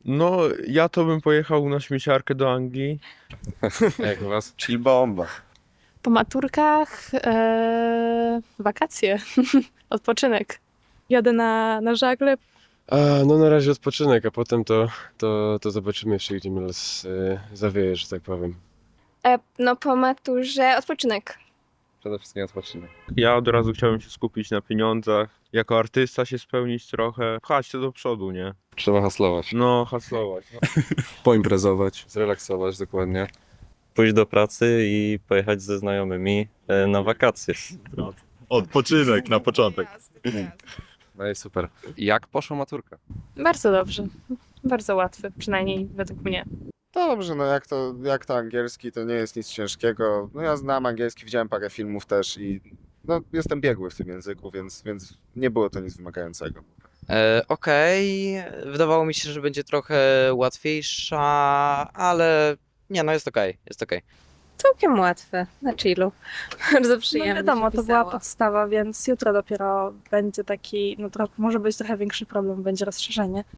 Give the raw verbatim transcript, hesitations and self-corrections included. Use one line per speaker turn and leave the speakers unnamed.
No, ja to bym pojechał na śmieciarkę do Anglii.
Jak u was?
Chill bomba.
Po maturkach e, wakacje, odpoczynek.
Jadę na, na żagle.
A, no na razie odpoczynek, a potem to, to, to zobaczymy jeszcze, gdzie mnie los y, zawieje, że tak powiem.
E, no po maturze odpoczynek.
Przede wszystkim odpoczynek.
Ja od razu chciałem się skupić na pieniądzach. Jako artysta się spełnić trochę. Pchać to do przodu, nie?
Trzeba haslować.
No, haslować. No.
Poimprezować.
Zrelaksować, dokładnie.
Pójść do pracy i pojechać ze znajomymi e, na wakacje.
Odpoczynek na początek.
No i super. Jak poszła maturka?
Bardzo dobrze, bardzo łatwy, przynajmniej według mnie.
Dobrze, no jak to, jak to angielski, to nie jest nic ciężkiego. No ja znam angielski, widziałem parę filmów też i no, jestem biegły w tym języku, więc, więc nie było to nic wymagającego.
E, Okej, wydawało mi się, że będzie trochę łatwiejsza, ale nie, no jest okej, jest okej.
Całkiem łatwe, na chillu. Bardzo
No
przyjemnie
wiadomo,
się
to była
pisało.
podstawa, więc jutro dopiero będzie taki, no trochę, może być trochę większy problem, będzie rozszerzenie.